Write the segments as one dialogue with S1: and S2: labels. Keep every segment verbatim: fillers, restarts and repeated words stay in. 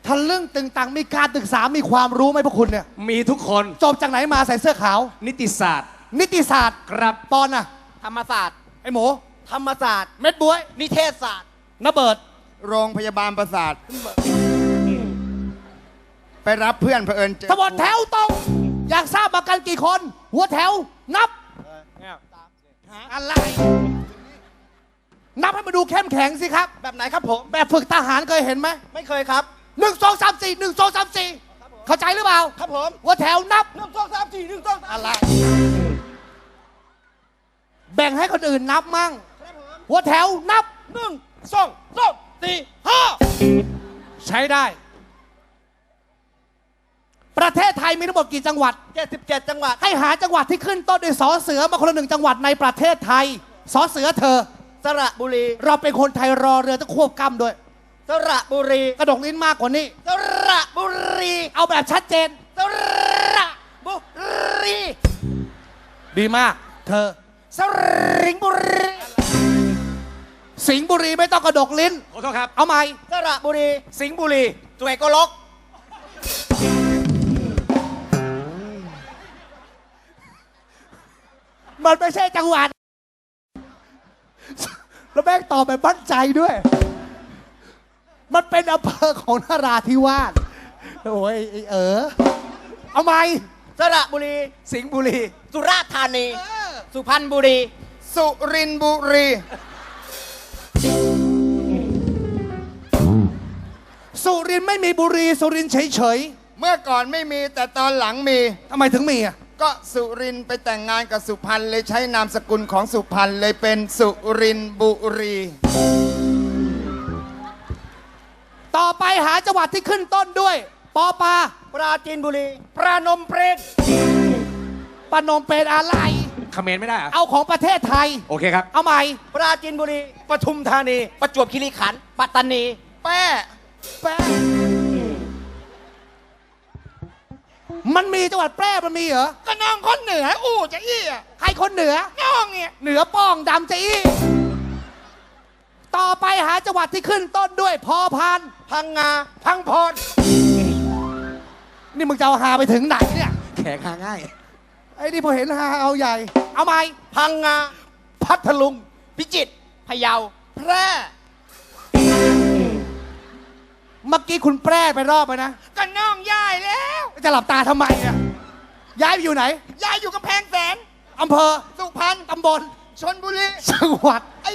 S1: ทะลึ่งตึงตังมีการศึกษามีความรู้ไหมพวกคุณเนี่ย
S2: มีทุกคน
S1: จบจากไหนมาใส่เสื้อขาว
S2: นิติศาสตร์
S1: นิติศาสตร์
S2: ครับ
S1: ปอนน่ะ
S3: ธรรมศาสตร์
S1: ไอหมู
S3: ธรรมศาสตร์
S1: เม็ดบ๊วย
S3: นิเทศศาสตร์
S1: นเบิด
S4: โรงพยาบาลประสาทไปรับเพื่อนเผอิญเจอ
S1: ทั้งหมดแถวตรงอยากทราบมากันกี่คนหัวแถวนับอะไรนับให้มาดูเข้มแข็งสิครับ
S3: แบบไหนครับผม
S1: แบบฝึกทหารเคยเห็นไหม
S3: ไม่เคยครับ
S1: หนึ่งสองสามสี่หนึ่งสองสามสี่เข้าใจหรือเปล่า
S3: ครับผม
S1: หัวแถวนับ
S3: หนึ่งสองสามสี่หนึ่งสอง
S1: อะไรแบ่งให้คนอื่นนับมั่งหัวแถวนับ
S3: หนึ่งสองสามสี่ห้า
S1: ใช้ได้ประเทศไทยมีทั้งหมดกี่จังหวัด
S3: เจ็ดสิบเจ็ดจังหวัด
S1: ให้หาจังหวัดที่ขึ้นต้นด้วยสอเสือมาคนละหนึ่งจังหวัดในประเทศไทยสอเสือเธอ
S3: สระบุรี
S1: เราเป็นคนไทยรอเรือต้องควบกล้ำด้วย
S3: สระบุรี
S1: กระดกลิ้นมากกว่านี้
S3: สระบุรี
S1: เอาแบบชัดเจน
S3: สระบุรี
S1: ดีมากเธอ
S3: สริงบุรี
S1: สิงห์บุรีไม่ต้องกระดกลิ้น
S2: ขอโทษครับ
S1: เอาใหม่
S3: สระบุรี
S2: สิงห์บุรี
S3: สวยกลก
S1: มันไม่ใช่จังหวัดแล้วแม่งตอบแบบมั่นใจด้วยมันเป็นอำเภอของนราธิวาสโอ้ยเออเอาใหม่
S3: สระบุรี
S2: สิงห์บุรี
S3: สุราษฎร์ธานีสุพรรณบุรี
S4: สุรินทร์บุรี
S1: สุรินทร์ไม่มีบุรีสุรินทร์เฉย
S4: ๆเมื่อก่อนไม่มีแต่ตอนหลังมี
S1: ทำไมถึงมีอ่ะ
S4: ก็สุรินทร์ไปแต่งงานกับสุพรรณเลยใช้นามสกุลของสุพรรณเลยเป็นสุรินทร์บุรี
S1: ต่อไปหาจังหวัดที่ขึ้นต้นด้วยปอปา
S3: ปราจีนบุรีปรานมเปรต
S1: ปนมเป็นอะไร
S2: คอมเมนต์ไม่ได้อะ
S1: เอาของประเทศไทย
S2: โอเคครับ
S1: เอาใหม่
S3: ปราจีนบุรีปทุมธานีประจวบคีรีขันธ์ปัตตานี
S4: แป้
S1: แป้มันมีจังหวัดแพร่มันมีเหรอ
S3: ก็น้องคนเหนืออู้จะอี้อ่ะ
S1: ใครคนเหนือ
S3: น้องเนี่ย
S1: เหนือป้องดำจะอี้ต่อไปหาจังหวัดที่ขึ้นต้นด้วยพอพาน
S3: พังงาพังพร
S1: นี่มึงจะเอาหาไปถึงไหนเนี่ย
S2: แขกหาง่าย
S1: ไอ้นี่พอเห็นหาเอาใหญ่เอาไหม
S3: พังงาพัทลุงพิจิตรพะเยาแพร่
S1: เมื่อกี้คุณแปรไปรอบไปนะ
S3: ก็น้องย้ายแล้ว
S1: จะหลับตาทำไมเนี่ยย้ายไปอยู่ไหน
S3: ย้ายอยู่กำแพงแสน
S1: อำเภอ
S3: สุพรรณ
S1: ตำบล
S3: ชลบุรี
S1: จังหวัดไอ้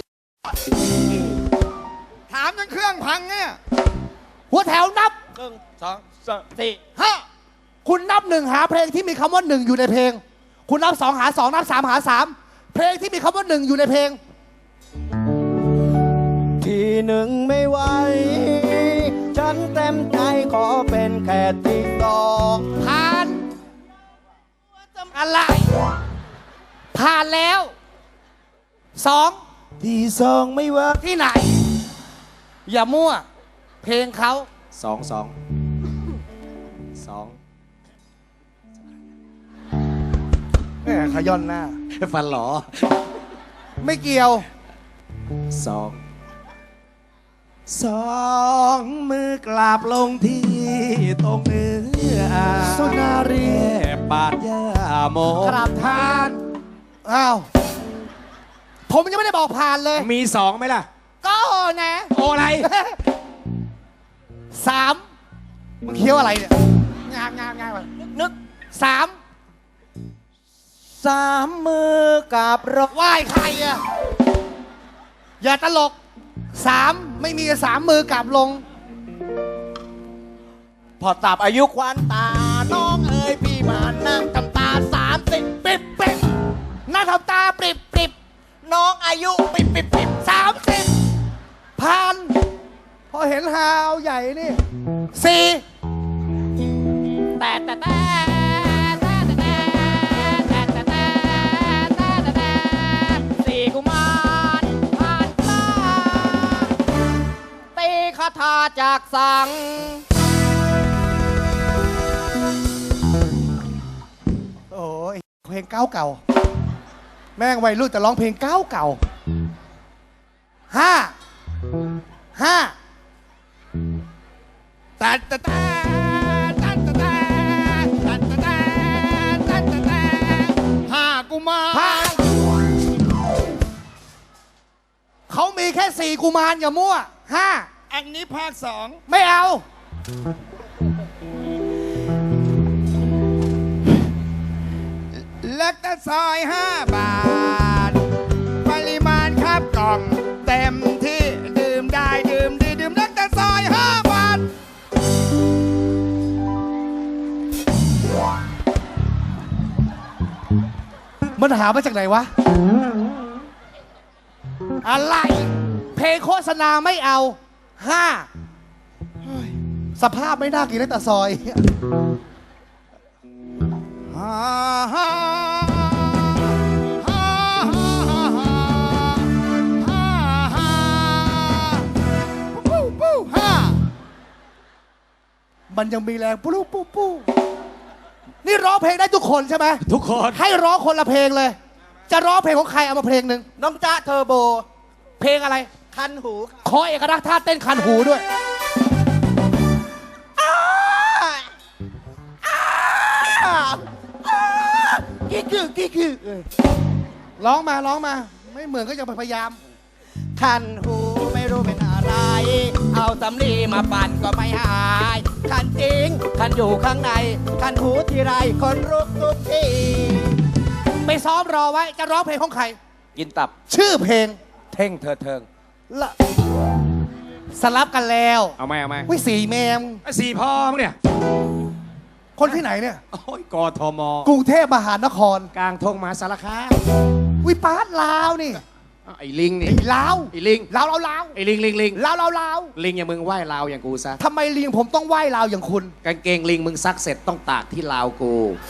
S3: ถามจนเครื่องพังเนี่ย
S1: หัวแถวนับ
S3: หนึ่งสองสามสี่ห้า
S1: คุณนับหนึ่งหาเพลงที่มีคำว่าหนึ่งอยู่ในเพลงคุณนับสองหาสองนับสามหาสามเพลงที่มีคำว่าหนึ่งอยู่ในเพลง
S3: ทีหนึ่งไม่ไหวฉันเต็มใจขอเป็นแค่ที่สอง
S1: ผ่านอะไรผ่านแล้วสอง
S3: ที่สองไม่ว่า
S1: ที่ไหนอย่ามั่วเพลงเขา
S2: สองสองสอง
S1: แม่ขย้อนหน้า
S2: ฟันหรอ
S1: ไม่เกี่ยว
S2: สองสองมือกราบลงที่ตรงเนื้อ
S1: สุนารี
S2: ปาดยาโม
S1: กราบทานอ้าวผมยังไม่ได้บอกผ่านเลย
S2: มีสองไหมล่ะ
S1: ก็นะ
S2: โออะไร
S1: สามมึงเคี้ยวอะไรเนี่ยงางงางงางไป
S3: นึก
S1: สาม
S3: สามมือกับร
S1: ไหว้ใครอ่ะอย่าตลกสามไม่มีสามมือกลับลง
S3: พอตับอายุควันตาน้องเอ๋ยพี่มานั่งทำตาสามสิบปิบปิบ
S1: นั่งทำตาปริบปริบ
S3: น้องอายุปิบปิบปิบ
S1: สามสิบผ่านพอเห็นฮาวใหญ่นี่สี่
S3: แต่แต่แต่สี่กุมารผ่านตาตีคาถาจากสัง
S1: โอ้ยเพลงเก่าเก่าแม่งวัยรุ่นแต่ร้องเพลงเก่าเก่าห้าห้า
S4: ตัดตะตาตัดตะตาตัดตะตาตัดตะตาห้ากุมาร
S1: ห้าเขามีแค่สี่กุมารอย่ามั่วห้า
S4: อันนี้ภาคสอง
S1: ไม่เอา
S4: เล็กตะซอยห้าบาท ปริมาณครับกล่องเต็มที่ดื่มได้ดื่มดีดื่มเล็กตะซอยห้าบาท
S1: มันหามาจากไหนวะ อะไร เพลงโฆษณาไม่เอาห้าเฮ้ยสภาพไม่น่ากินเลยแต่ซอย
S4: ฮ่าฮ่าฮ่าฮ่าฮ่าฮ่าปู้ปู้ฮ่า
S1: มันยังมีแรงปู้ปู้ปู้นี่ร้องเพลงได้ทุกคนใช่ไหม
S2: ทุกคน
S1: ให้ร้องคนละเพลงเลย จะร้องเพลงของใครเอามาเพลงหนึ่ง
S3: น้องจ๊ะเทอร์โบ
S1: เพลงอะไร
S3: คันหูค่ะ
S1: ขอเอกลักษณ์ท่าเต้นคันหูด้วย
S3: กิ๊กคือกิ๊กคือ
S1: ร้องมาร้องมา ไม่เหมือนก็ยังพยายาม
S3: คันหูไม่รู้เป็นอะไร เอาสำลีมาปั่นก็ไม่หาย คันจริง คันอยู่ข้างใน คันหูทีไรคนรุกทุกที
S1: ไปซ้อมรอไว้จะร้องเพลงของใคร
S3: กินตับ
S1: ชื่อเพลง
S3: เท่งเธอเทิง
S1: ละสลับกันแล้ว
S2: เอาไหมเอาไหม
S1: วิสีแมม
S2: สี่พอมั้งเนี่ย
S1: คนที่ไหนเนี่ย
S2: โอ้ยกทม
S1: กรุงเทพมหานคร
S2: กลางทงมหาสารคาม
S1: วิปาสลาวนี่
S2: อ้าวไอ้ลิงนี่
S1: ไอ้ลาว
S2: ไอ้ลิง
S1: ลาวลาวลาว
S2: ไอ้ลิงลิงลิง
S1: ลาวลาวลาว
S2: ลิงอย่างมึงไหว้ลาวอย่างกูซะ
S1: ทำไมลิงผมต้องไหว้ลาวอย่างคุณ
S2: กางเกงลิงมึงซักเสร็จต้องตากที่ลาวกู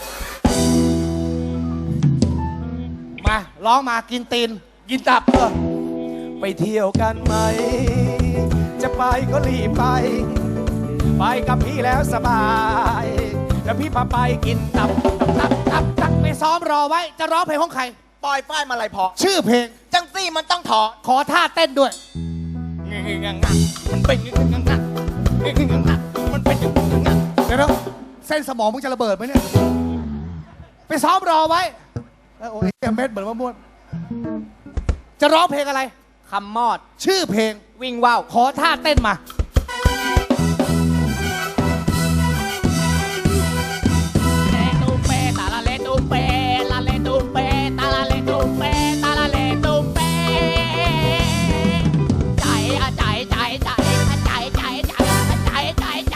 S1: มาร้องมากินตีน
S2: กินตับ
S3: ไปเที่ยวกันไหม จะไปก็รีบไป ไปกับพี่แล้วสบาย แล้วพี่พาไปกินตับ
S1: ตับตับตับไปซ้อมรอไว้จะร้องเพลงของใคร
S3: ปล่อยฝ้ายมาลายพอ
S1: ชื่อเพลง
S3: จังซี่มันต้องถอด
S1: ขอท่าเต้นด้วย
S3: มันเป็นงังงังมันเป็นงังงัง
S1: เดี๋ยวนะเส้นสมองมึงจะระเบิดไหมเนี่ย ไปซ้อมรอไว้แล้วโอ้ยเม็ดเหมือนมะม่วงจะร้องเพลงอะไร
S3: คำมอด
S1: ชื่อเพลง
S3: วิ่งว่าว
S1: ขอท่าเต้นมา
S5: เลตูเปตาลาเลตูเปลาเลตูเปตาลาเลตูเปตาลาเลตูเปใจอะใจใจใจใจใจใจใจใจใจ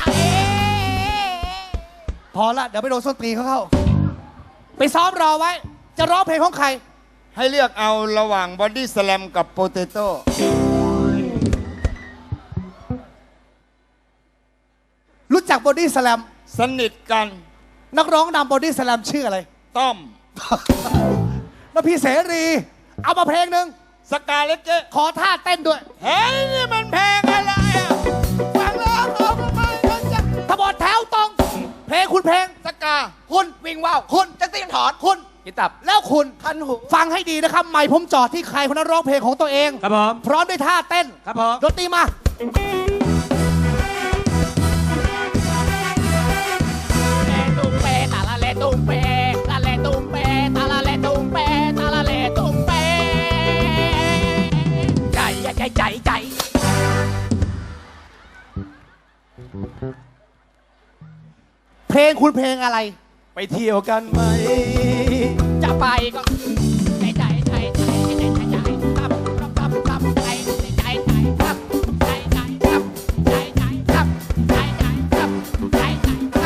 S1: พอละเดี๋ยวไปโดนส้นตีนเขาเข้า ไปซ้อมรอไว้ จะร้องเพลงของใคร
S4: ให้เลือกเอาระหว่างบอดี้สแลมกับโปเตโต้
S1: รู้จักบอดี้สแลม
S4: สนิทกัน
S1: นักร้องนำบอดี้สแลมชื่ออะไร
S4: ต้อม
S1: แล้วพี่เสรี เอามาเพลงหนึ่ง
S4: สกาเลตเจ
S1: ขอท่าเต้นด้วย
S4: เฮ้ยนี่มันเพลงอะไรอ่ะฟังแล้วเอาทำไมเขาจะ
S1: ทบทแถวตรง เพลงคุณเพลง
S4: สกา
S1: คุณวิ่งว่าวคุณจังตีนถอนคุณ
S3: กินตับ
S1: แล้วคุณ
S3: คันหู
S1: ฟังให้ดีนะครับไม่ผมจอดที่ใครคนนั้นร้องเพลงของตัวเอง
S2: ครับผม
S1: พร้อมด้วยท่าเต้น
S2: ครับผม
S1: ดนตรีมา
S5: เลตูเปตาลาเลตูเปลาเลตูเปตาลาเลตูเปตาลาเลตูเปใจใจใจใจ
S1: เพลงคุณเพลงอะไร
S3: ไปเที่ยวกันไหม
S5: จะไปก็ใจใจใจใจใจใจใจครับครับครับใจใจใจครับใจใจครับใจใจครับใจใจครับใจใจครับ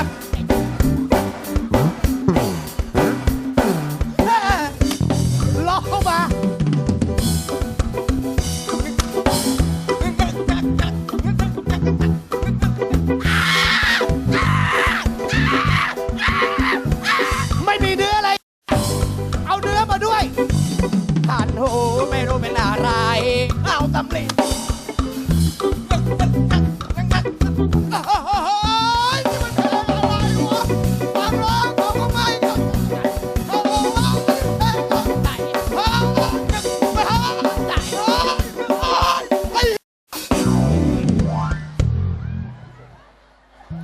S1: ร้องเข้ามา ไม่มีเนื้ออะไร เอาเนื้อมาด้วย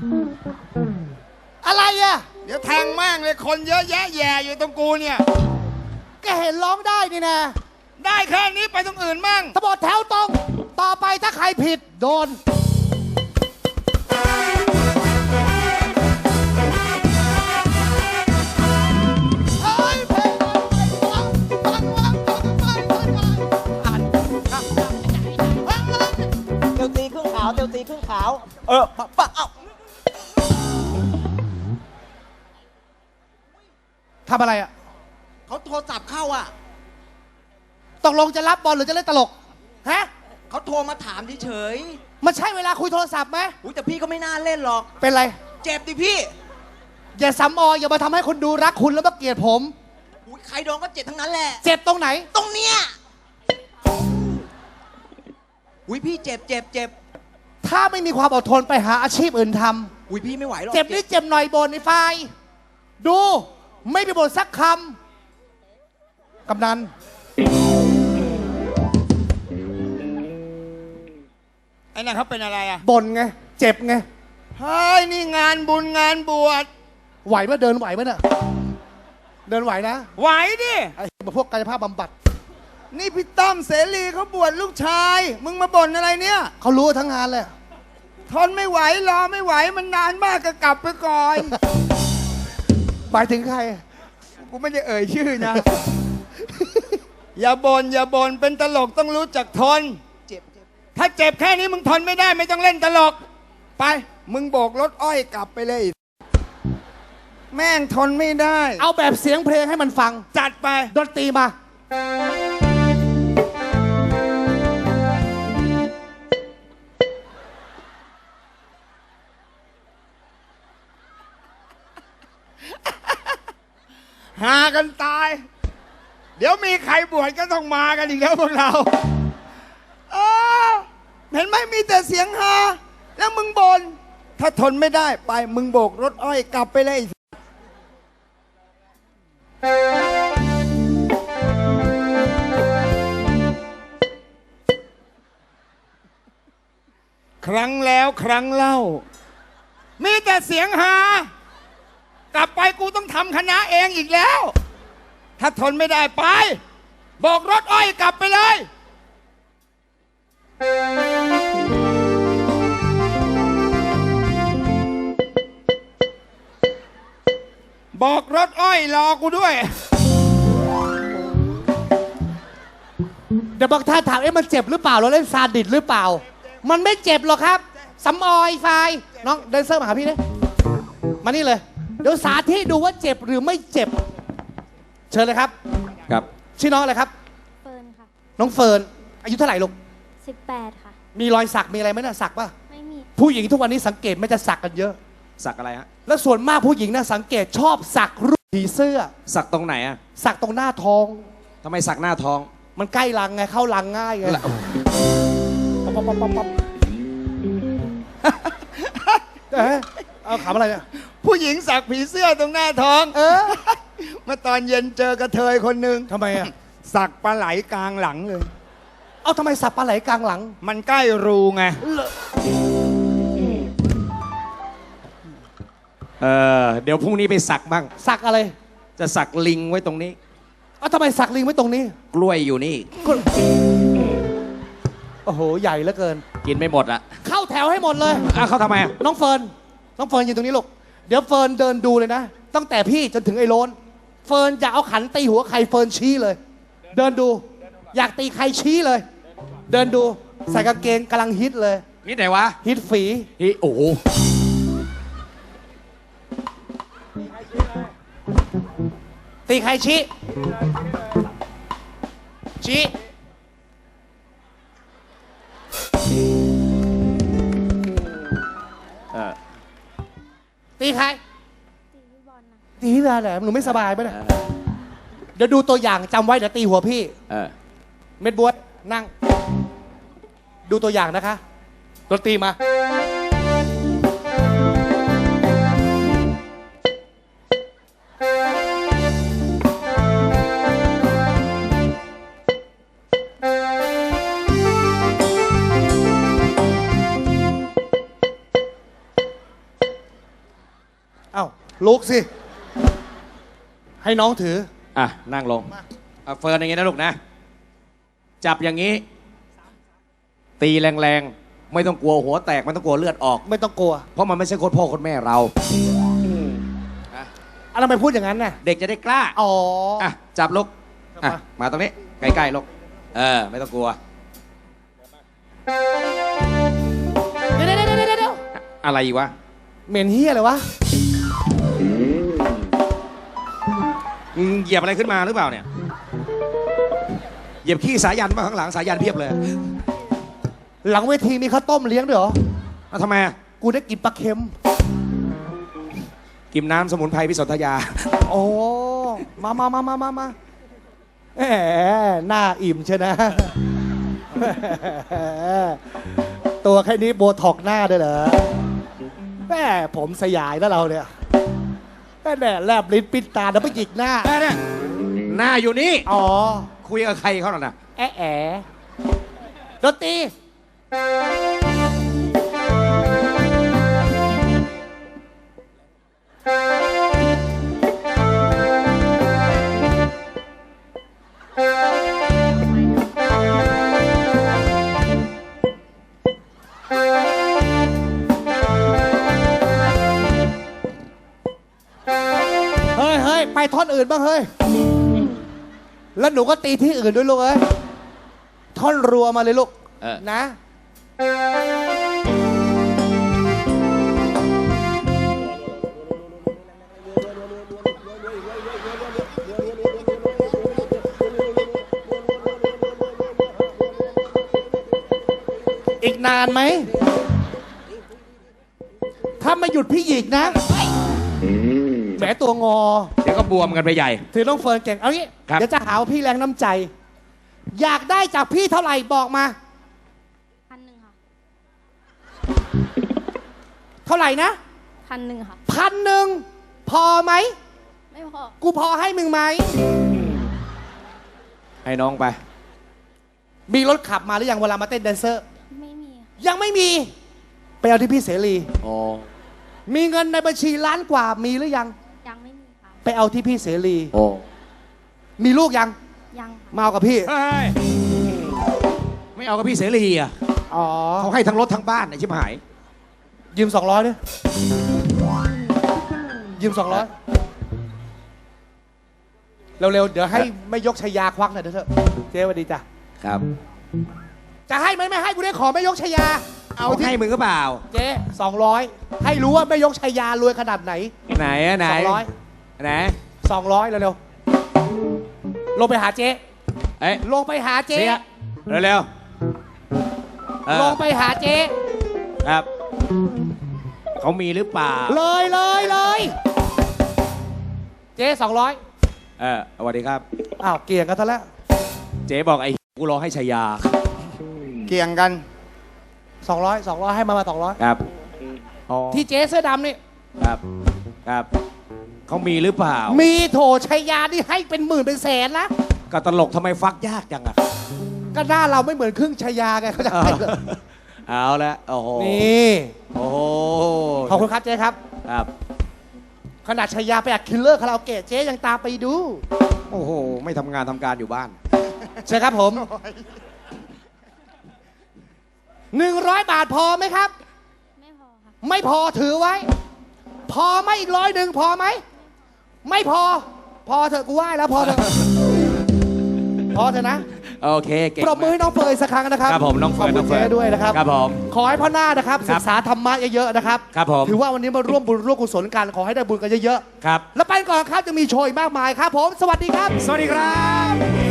S1: อะไรอ่ะ
S4: เดี๋ยวแทงแม่งเลยคนเยอะแยะแย่อยู่ตรงกูเนี่ย
S1: ก็เห็นร้องได้นี่นะ
S4: ได้แค่นี้ไปตรงอื่นมั่ง
S1: ถ้าบอกแถวตรง ต่อไปถ้าใครผิดโดน เฮ้ยเพลงวางวางวางวางวางวางวาง
S3: อ่านครับเตียวตีครึ่งขาวเตียวตีครึ่งขาว เออปะปะเอ้า
S1: ทำอะไรอ่ะ
S3: เขาโทรศัพท์เข้าอ่ะ
S1: ตกลงจะรับบอลหรือจะเล่นตลก ฮะ
S3: เขาโทรมาถามเฉย
S1: มันใช่เวลาคุยโทรศัพท์ไหม
S3: ๆอุ้ยแต่พี่ก็ไม่น่าเล่นหรอก
S1: เป็นไร
S3: เจ็บดิพี่
S1: อย่าซ้ำออยอย่ามาทำให้คนดูรักคุณแล้วมาเกลียดผม
S3: อุ้ยใครโดนก็เจ็บทั้งนั้นแหละ
S1: เจ็บตรงไหน
S3: ตรงเนี้ยอุ้ยพี่เจ็บเจ็บเจ็บ
S1: ถ้าไม่มีความอดทนไปหาอาชีพอื่นท
S3: อุ้ยพี่ไม่ไหวหรอก
S1: ำ เจ็บนิดเจ็บหน่อยบนในไฟล์ดู ไม่ไปบ่นสักคำ กำนัน
S4: ไอ้นั่นเขาเป็นอะไรอ่ะ
S1: บ่นไง เจ็บไง
S4: เฮ้ยนี่งานบุญงานบวช
S1: ไหวไหมเดินไหวไหมเนี่ยเดินไหวนะ
S4: ไหวดิ
S1: ไอ้พวกกายภาพบำบัด
S4: นี่พี่ตั้มเสรีเขาบวชลูกชาย มึงมาบ่นอะไรเนี่ย
S1: เขารู้ทั้งงานเลย
S4: ทนไม่ไหวรอไม่ไหวมันนานมากก็กลับไปก่อน
S1: หมายถึงใคร
S4: กูไม่ได้เอ่ยชื่อนะ อย่าบน่นอย่าบ่นเป็นตลกต้องรู้จักทน
S3: เจ็บเจ็บ
S4: ถ้าเจ็บแค่นี้มึงทนไม่ได้ไม่ต้องเล่นตลก ไป มึงโบกรถอ้อยกลับไปเลย แม่งทนไม่ได้
S1: เอาแบบเสียงเพลงให้มันฟัง
S4: จัดไป
S1: ดนตรีมา
S4: หากันตาย เดี๋ยวมีใครบวชก็ต้องมากันอีกแล้วพวกเราเออเห็นไหมมีแต่เสียงฮาแล้วมึงบน่นถ้าทนไม่ได้ไปมึงโบกรถอ้อยกลับไปเลย ครั้งแล้วครั้งเล่า มีแต่เสียงฮากลับไปกูต้องทำคณะเองอีกแล้ว ถ้าทนไม่ได้ไปโบกรถอ้อยกลับไปเลยบอกรถอ้อยรอกูด้วย
S1: เดี๋ยวบางท่านถามเอ๊ะมันเจ็บหรือเปล่าเราเล่นซาดิสหรือเปล่า มันไม่เจ็บหรอกครับสำออยไฟล์น้องเดนเซอร์มาหาพี่นี่มานี่เลย เดี๋ยวสาธิตดูว่าเจ็บหรือไม่เจ็บ เชิญเลยครับ
S2: ครับ
S1: ชื่อน้องอะไรครับ
S6: เฟิร์นค่ะ
S1: น้องเฟิร์นอายุเท่าไหร่ลูก
S6: สิบแปดค่ะ
S1: มีรอยสักมีอะไรไหมน่ะสักป่ะ
S6: ไม่มี
S1: ผู้หญิงทุกวันนี้สังเกตไม่จะสักกันเยอะ
S2: สักอะไรฮะ
S1: แล้วส่วนมากผู้หญิงน่ะสังเกตชอบสักรูปผีเสื้อ
S2: สักตรงไหนอ่ะ
S1: สักตรงหน้าท้อง
S2: ทำไมสักหน้าท้อง
S1: มันใกล้รังไงเข้ารังง่ายไงป๊อปป๊อปป๊อปป๊อปเอ๊ะเอาขำอะไรเนี่ย
S4: ผู้หญิงสักผีเสื้อตรงหน้าท้อง
S1: เออ
S4: เมื่อตอนเย็นเจอกระเทยคนหนึ่ง
S1: ทำไมอ่ะ
S4: สักปลาไหลกลางหลังเลย
S1: เอาทำไมสับปลาไหลกลางหลัง
S4: มันใกล้รูไง
S2: เออ เดี๋ยวพรุ่งนี้ไปสักบ้าง
S1: สักอะไร
S2: จะสักลิงไว้ตรงนี้
S1: เอาทำไมสักลิงไว้ตรงนี้
S2: กล้วยอยู่นี่
S1: ก็โอ้โห ใหญ่เหลือเกิน
S2: กินไม่หมดละ
S1: เข้าแถวให้หมดเลย
S2: อ้าวเขาทำไมอ่ะ
S1: น้องเฟิร์น น้องเฟิร์นยืนตรงนี้ลูก เดี๋ยวเฟิร์นเดินดูเลยนะ ตั้งแต่พี่จนถึงไอ้โลน เฟิร์นจะเอาขันตีหัวใครเฟิร์นชี้เลย เดินดู อยากตีใครชี้เลย เดินดู ใส่กางเกงกำลังฮิตเลย
S2: นี่ไหนวะ
S1: ฮิตฝี
S2: นี่โอ้โห
S1: ตีใครชี้ ชี้
S2: เออ
S1: ตีใคร
S6: ตีพี่บอลนะ
S1: ตีพี่แบร์แหละหนูไม่สบายปะเนี่ย เดี๋ยวดูตัวอย่างจำไว้เดี๋ยวตีหัวพี่
S2: เออ
S1: เม็ดบัวนั่ง ดูตัวอย่างนะคะดนตรีมาเอ้าลุกสิ ให้น้องถือ
S2: อ่ะ นั่งลงเอาเฟิร์นอย่างงี้นะลูกนะ จับอย่างนี้ ตีแรงๆ ไม่ต้องกลัวหัวแตกไม่ต้องกลัวเลือดออก
S1: ไม่ต้องกลัว
S2: เพราะมันไม่ใช่โคตรพ่อโคตรแม่เรา
S1: อะทำไมพูดอย่างนั้นน่ะ
S2: เด็กจะได้กล้า
S1: อ๋อ
S2: อ่ะ จับลูกอ่ะ
S1: มา
S2: มาตรงนี้ ใกล้ๆลูกเออ ไม่ต้องกลัว
S1: เดี๋ยวเดี๋ยวเดี๋ยวเดี๋ยว
S2: อะไรอีกวะ
S1: เหม็นเฮียเลยวะ
S2: มึงเหยียบอะไรขึ้นมาหรือเปล่าเนี่ย เหยียบขี้สายันมาข้างหลังสายันเพียบเลย
S1: หลังเวทีมีข้าวต้มเลี้ยงด้วยเหรอ
S2: แล้วทำไมอ่ะ
S1: กูได้กินปลาเค็ม
S2: กินน้ำสมุนไพรพิสนธยา
S1: โอ้ มามามามามามาแหมหน้าอิ่มใช่นะ ตัวแค่นี้โบท็อกหน้าด้วยเหรอแหมผมสยายแล้วเราเนี่ยแหมแลบลิ้นปิดตาแล้วไปหยิกหน้า
S2: แม่เนี่ยหน้าอยู่นี่
S1: อ๋อ
S2: คุยกับใครเขาหน่อยนะ
S1: แอะแอะดนตรีเฮ้ยเฮ้ยไปท่อนอื่นบ้างเฮ้ย แล้วหนูก็ตีที่อื่นด้วยลูกเอ้ย ท่อนรัวมาเลยลูก
S2: เออ
S1: นะ อีกนานไหม ถ้าไม่หยุดพี่หยิกนะแหมตัวงอ
S2: เดี๋ยวก็บวมกันไปใหญ่
S1: ถือน้องเฟิร์นเก่ง เอางี้
S2: ครับ
S1: เดี๋ยวจะหาว่าพี่แรงน้ำใจ อยากได้จากพี่เท่าไหร่บอกมา
S6: พันหนึ่งค่ะ
S1: เท่าไหร่นะ
S6: พันหนึ่งค่ะ
S1: พันหนึ่งพอไหม
S6: ไม่พอ
S1: กูพอให้มึงไหม
S2: ให้น้องไป
S1: มีรถขับมาหรือยังเวลามาเต้นแดนเซอร์
S6: ไม่มีค่ะ
S1: ยังไม่มี ไปเอาที่พี่เสรี
S2: อ๋อ
S1: มีเงินในบัญชีล้านกว่ามีหรือยัง
S6: ยังไม่มีค่ะ
S1: ไปเอาที่พี่เสรี
S2: โอ้
S1: มีลูกยัง
S6: ยังค่ะ
S1: มาเอากับพี่
S2: เฮ้ยไม่เอากับพี่เสรีอ่ะ
S1: อ๋อ
S2: เขาให้ทั้งรถทั้งบ้านไอ้ชิบหาย
S1: ยืมสองร้อยด้วยยืมสองร้อยเร็วๆ เดี๋ยวให้ไม่ยกชายาควักหน่อยเถอะเจ๊สวัสดีจ้ะ
S2: ครับ
S1: จะให้ไหมไม่ให้กูได้ขอไม่ยกชายา
S2: เอาให้มึงก็เปล่า
S1: เจ๊สองร้อยให้รู้ว่าไม่ยกชายารวยขนาดไหน
S2: ไหนอะไหน
S1: สองร้อย
S2: ไหน
S1: สองร้อยเร็วๆ ลงไปหาเจ๊
S2: เอ้ย
S1: ลงไปหาเจ๊
S2: เสียเร็วๆเออ
S1: ลงไปหาเจ๊
S2: ครับ เขามีหรือเปล่า
S1: เลยเลยเลยเจ๊สองร้อย
S2: เออสวัสดีครับ
S1: อ้าวเกี่ยงกันซะแล้ว
S2: เจ๊บอกไอ้กูรอให้ชายา
S4: เกี่ยงกัน
S1: สองร้อยสองร้อยให้มามาสองร้อย
S2: ครับอ๋อ
S1: ที่เจ๊เสื้อดำนี่
S2: ครับ ครับ เขามีหรือเปล่า
S1: มีโถชัยยานี่ให้เป็นหมื่นเป็นแสนนะ
S2: ก็ตลกทำไมฟักยากจังอะ
S1: ก็หน้าเราไม่เหมือนครึ่งชัยยาไงเขาจะให้เลย
S2: เอาละโอ้โห
S1: นี่
S2: โอ้โห
S1: ขอบคุณครับเจ๊ครับ
S2: ครับ
S1: ขนาดชัยยาไปอัดคิลเลอร์คาราโอเกะเจ๊ยังตามไปดู
S2: โอ้โห ไม่ทำงานทำการอยู่บ้าน
S1: ใช่ครับผมหนึ่งร้อยบาทพอไหมครับ
S6: ไม่พอค่ะ
S1: ไม่พอถือไว้ พอไหมอีกร้อยหนึ่งพอไหม ไม่พอ พอเถอะกูไหว้แล้วพอเถอะ พอเถอะนะ
S2: โอเค เก่ง
S1: ปรบมือให้น้องเฟิร์นสักครั้งนะครับ
S2: ครับผมน้องเฟิร์น
S1: ข
S2: น้
S1: อ
S2: อบ ง
S1: คุณ
S2: เฟิร์น
S1: เจ๊ด้วยนะครับ
S2: ครับผม
S1: ขอให้พ่อหน้านะครับ
S2: ครั
S1: ศึ
S2: บ
S1: กษาธรรมะเยอะๆนะครับ
S2: ครับผม
S1: ถือว่าวันนี้มาร่วมบุญร่วมกุศลกันขอให้ได้บุญกันเยอะ
S2: ครับ
S1: ๆ แล้วไปก่อนครับจะมีโชว์อีกมากมายครับผม สวัสดีครับ
S2: สวัสดีครับ